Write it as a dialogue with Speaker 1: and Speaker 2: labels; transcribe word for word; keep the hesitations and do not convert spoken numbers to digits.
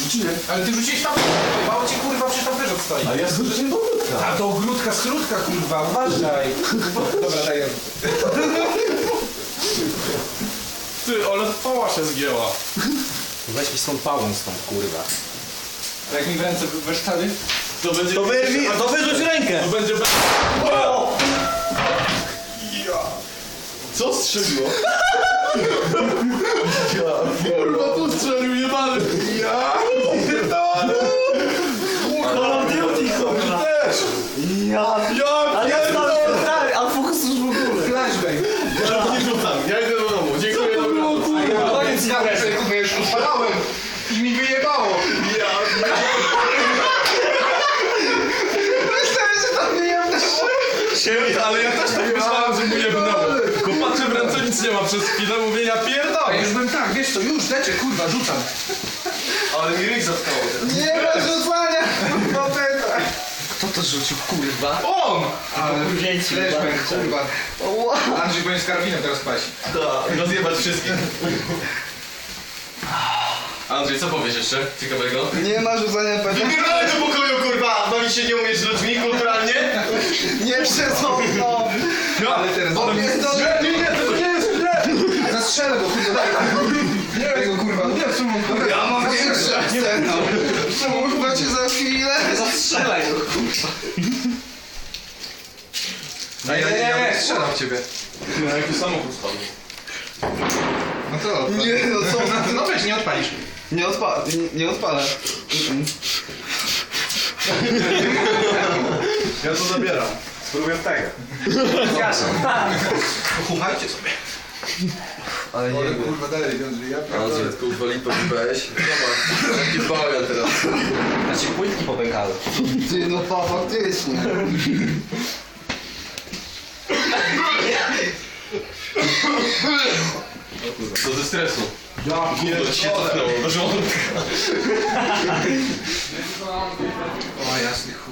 Speaker 1: Rzuciłem. Ale ty rzuciłeś tam, mało ci kurwa, przecież tam też odstoi.
Speaker 2: A ja rzuciłem do ogródka.
Speaker 1: A to ogródka, skrótka kurwa, uważaj. Dobra, daj.
Speaker 3: Ty, ale pała się zgięła.
Speaker 1: Weź mi z tą pałą stąd, kurwa. Jak mi w ręce weszczali?
Speaker 3: To będzie...
Speaker 2: To wyrwij, to wyrzuć rękę.
Speaker 3: To będzie...
Speaker 2: O!
Speaker 3: Co strzeliło? Kurwa, tu strzelił jebany. Ja pierdolę.
Speaker 2: Call of Duty, kurwa.
Speaker 3: Też.
Speaker 2: Ja...
Speaker 3: Ja
Speaker 2: Ale ja
Speaker 3: pierdolę.
Speaker 2: stary, a fokus już w ogóle.
Speaker 1: Flashbang.
Speaker 3: Ja nie rzucam, ja idę do domu. Dziękuję, dobra.
Speaker 1: Koniec kawy, sobie kurwa już odpalałem i mi wyjebało.
Speaker 3: Ja...
Speaker 1: Myślałem, że tam nie jem
Speaker 3: Siebie, ale ja też tak myślałem, że mu jebnęło. Tylko patrzę w ręce, nic nie ma przez chwilę, mówię, ja
Speaker 1: A
Speaker 3: pierdolę.
Speaker 1: już bym tak, wiesz co, już leczę, kurwa, rzucam.
Speaker 3: Ale mi ryj zatkało.
Speaker 1: Nie ma rzucania, kurwa, beta.
Speaker 2: Kto to rzucił, kurwa?
Speaker 3: On!
Speaker 1: Ale
Speaker 2: Dzieci,
Speaker 1: flashbang,
Speaker 2: bardzo.
Speaker 1: kurwa. Andrzej będzie z karabinem teraz paść.
Speaker 3: Tak, rozjebać wszystkich. Andrzej, co powiesz jeszcze ciekawego?
Speaker 4: Nie ma rzucania peta.
Speaker 3: Wypierdolę do pokoju, kurwa! Bawić się nie umiesz z ludźmi kulturalnie?
Speaker 4: Nie przesądzą.
Speaker 3: No,
Speaker 1: Ale teraz...
Speaker 4: O, pierdolę.
Speaker 3: nie, nie, to nie jest źle!
Speaker 1: Zastrzelę go, kurwa, daj. Nie, tego kurwa.
Speaker 3: Nie, Szymon, kurwa.
Speaker 4: Ja mam większe scenę. Kurwa cię za chwilę.
Speaker 2: Zastrzelaj go, kurwa.
Speaker 1: No ja nie, ja nie strzelam w ciebie.
Speaker 3: Na jaki samochód spadł?
Speaker 1: No to...
Speaker 4: Nie no co?
Speaker 1: No weź, nie odpalisz.
Speaker 4: Nie odpa... Nie, nie odpalę. Mm.
Speaker 3: Ja to zabieram. Spróbuję tego.
Speaker 1: Pochumajcie sobie.
Speaker 4: Ale nie
Speaker 1: Ale
Speaker 4: wiem.
Speaker 1: kurwa, dalej, Andrzej, ja pierdolę.
Speaker 5: Andrzej, kurwa lipo weź. Zobacz, jaki bawian teraz.
Speaker 2: Znaczy płytki popękały.
Speaker 4: Ty no pa, faktycznie.
Speaker 3: To ze stresu.
Speaker 1: Ja
Speaker 3: Gówno ci się cofnęło do żołądka.
Speaker 1: O jasny chuj.